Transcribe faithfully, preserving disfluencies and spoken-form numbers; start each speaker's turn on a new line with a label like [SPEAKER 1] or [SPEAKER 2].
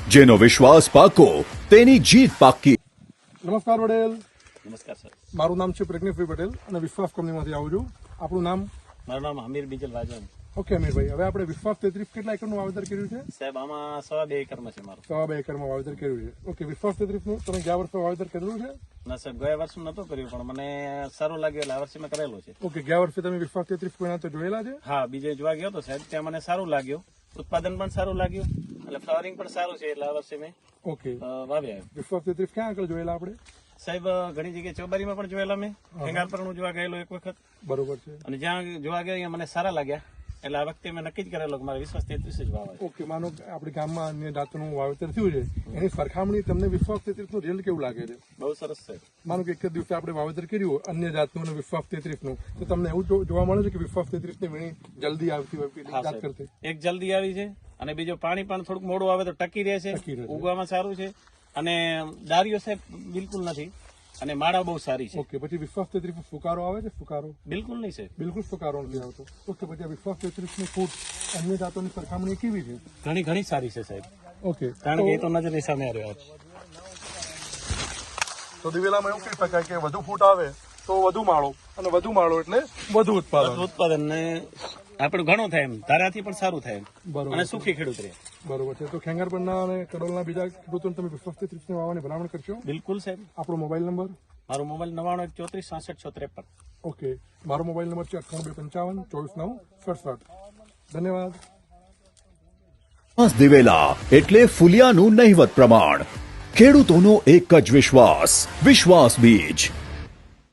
[SPEAKER 1] જેનો વિશ્વાસ પાકો તેની જીત પાકી।
[SPEAKER 2] નમસ્કાર વડેલ।
[SPEAKER 3] નમસ્કાર સર,
[SPEAKER 2] મારું નામ છે પ્રજ્ઞેશભાઈ પટેલ અને વિશ્વાસ કંપનીમાંથી આવું છું। આપણું નામ?
[SPEAKER 3] મારું નામ હમીર બીજલ વાજવાણી।
[SPEAKER 2] ઓકે અમીરભાઈ, હવે આપણે વિશ્વાસ તેત્રીસ કેટલા એકરનું વાવેતર કર્યું છે?
[SPEAKER 3] સાહેબ આમાં સવા બે એકરમાં છે મારું।
[SPEAKER 2] સવા બે એકરમાં વાવેતર કર્યું છે। ઓકે, વિશ્વાસ તેત્રીસ નું તમે ગયા વર્ષે વાવેતર કરેલું છે?
[SPEAKER 3] ના સાહેબ, ગયા વર્ષે નતો કર્યું પણ મને સારું લાગ્યું એટલે આ વર્ષે મેં કરેલું છે।
[SPEAKER 2] ઓકે, ગયા વર્ષે તમે વિશ્વાસ તેત્રીસ કોઈના તો જોયેલા છે?
[SPEAKER 3] હા, બીજે જોવા ગયો તો સાહેબ, ત્યાં મને સારું લાગ્યું, ઉત્પાદન પણ સારું લાગ્યું એટલે ફ્લાવરિંગ પણ સારું છે એટલે આ વર્ષે મેં
[SPEAKER 2] ઓકે,
[SPEAKER 3] અ, વાવ્યા।
[SPEAKER 2] વિશ્વાસ તેત્રીસ ક્યાં આગળ જોયેલા આપણે?
[SPEAKER 3] સાહેબ ઘણી જગ્યાએ ચોબારીમાં પણ જોયેલા મેં, ખેંગાર પર હું જોવા ગયેલો એક વખત,
[SPEAKER 2] બરોબર છે।
[SPEAKER 3] અને જ્યાં જોવા ગયા અહીંયા મને સારા લાગ્યા એટલે આ વખતે મેં નક્કી જ કરેલો કે મારે વિશ્વાસ તેત્રીસ જ વાવવા છે।
[SPEAKER 2] ઓકે, માનો કે આપણી ગામમાં અન્ય જાતનું વાવેતર થયું છે, એની સરખામણી તમને વિશ્વાસ તેત્રીસ નું રિઝલ્ટ કેવું લાગે છે?
[SPEAKER 3] બહુ સરસ છે।
[SPEAKER 2] માનો કે એક જ દિવસે આપણે વાવેતર કર્યું અન્ય જાતનું અને વિશ્વાસ તેત્રીસ નું, તો તમને એવું જો- જોવા મળે છે કે વિશ્વાસ તેત્રીસ ની વીણી જલ્દી આવતી હોય પેલી
[SPEAKER 3] હા
[SPEAKER 2] જાત
[SPEAKER 3] સાહેબ,
[SPEAKER 2] કરતી?
[SPEAKER 3] એક જલ્દી આવી છે અને બીજો પાણી પણ થોડુંક મોડું આવે તો ટકી રહે છે,
[SPEAKER 2] ટકી રહે છે।
[SPEAKER 3] ઉગવામાં સારું છે અને દારીઓ સાહેબ બિલકુલ નથી અને માળા બહુ સારી છે।
[SPEAKER 2] ઓકે, પછી વિશ્વાસ તેત્રીસ ફુકારો આવે છે? ફુકારો
[SPEAKER 3] બિલકુલ નહીં સાહેબ,
[SPEAKER 2] બિલકુલ ફુકારો નથી આવતો। ઓકે, પછી આ વિશ્વાસ તેત્રીસ ની ફૂટ અન્ય જાતોની સરખામણી કેવી છે?
[SPEAKER 3] ઘણી ઘણી સારી છે સાહેબ,
[SPEAKER 2] ઓકે,
[SPEAKER 3] કારણ કે એ તો નજરની સામે આવ્યો છે।
[SPEAKER 2] તો દિવેલામાં એવું કહી શકાય કે વધુ ફૂટ આવે તો વધુ માળો અને વધુ માળો એટલે વધુ ઉત્પાદન।
[SPEAKER 3] ઉત્પાદન ને આપણું ઘણું થાય એમ, ધારાથી પણ સારું થાય એમ
[SPEAKER 2] બરોબર
[SPEAKER 3] અને સુખી ખેડૂત રહે।
[SPEAKER 2] બરોબર છે। તો ખેંગારપરના અને કડોલના બીજા ખેડૂતોને તમે વિશ્વાસ તેત્રીસ ની વાવવાની ભલામણ કરશો?
[SPEAKER 3] બિલકુલ સાહેબ।
[SPEAKER 2] આપણો મોબાઈલ નંબર?
[SPEAKER 3] મારો મોબાઈલ નવાણું એક ચોત્રીસ સાસઠ છ ત્રેપન।
[SPEAKER 2] ઓકે, મારો મોબાઈલ નંબર છે અઠ્ઠાણું બે પંચાવન ચોવીસ નવ સડસઠ। ધન્યવાદ।
[SPEAKER 1] વિશ્વાસ દિવેલા એટલે ફુલિયાનું નહિવત પ્રમાણ। ખેડૂતોનો એક જ વિશ્વાસ, વિશ્વાસ બીજ।